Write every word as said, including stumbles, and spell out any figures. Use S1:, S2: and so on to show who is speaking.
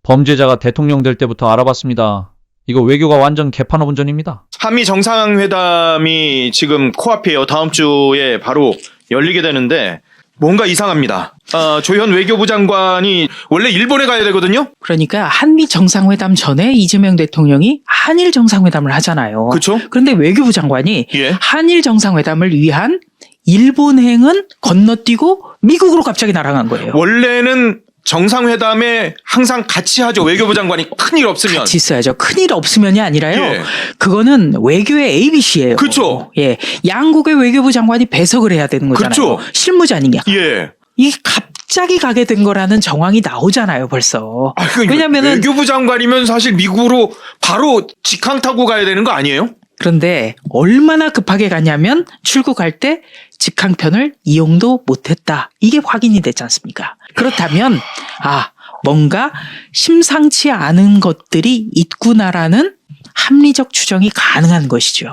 S1: 범죄자가 대통령 될 때부터 알아봤습니다. 이거 외교가 완전 개판업 운전입니다.
S2: 한미 정상회담이 지금 코앞이에요. 다음 주에 바로 열리게 되는데 뭔가 이상합니다. 어, 조현 외교부 장관이 원래 일본에 가야 되거든요.
S3: 그러니까 한미 정상회담 전에 이재명 대통령이 한일 정상회담을 하잖아요.
S2: 그렇죠?
S3: 그런데 외교부 장관이
S2: 예.
S3: 한일 정상회담을 위한 일본행은 건너뛰고 미국으로 갑자기 날아간 거예요.
S2: 원래는 정상회담에 항상 같이 하죠. 외교부 장관이 큰일 없으면.
S3: 같이 있어야죠. 큰일 없으면이 아니라요.
S2: 예.
S3: 그거는 외교의 에이비씨예요.
S2: 그렇죠.
S3: 예, 양국의 외교부 장관이 배석을 해야 되는 거잖아요.
S2: 그렇죠.
S3: 실무자니까.
S2: 예.
S3: 이게 갑자기 가게 된 거라는 정황이 나오잖아요, 벌써.
S2: 아, 그러니까
S3: 왜냐면은
S2: 외교부 장관이면 사실 미국으로 바로 직항 타고 가야 되는 거 아니에요?
S3: 그런데 얼마나 급하게 가냐면 출국할 때 직항편을 이용도 못했다. 이게 확인이 됐지 않습니까? 그렇다면 아 뭔가 심상치 않은 것들이 있구나라는 합리적 추정이 가능한 것이죠.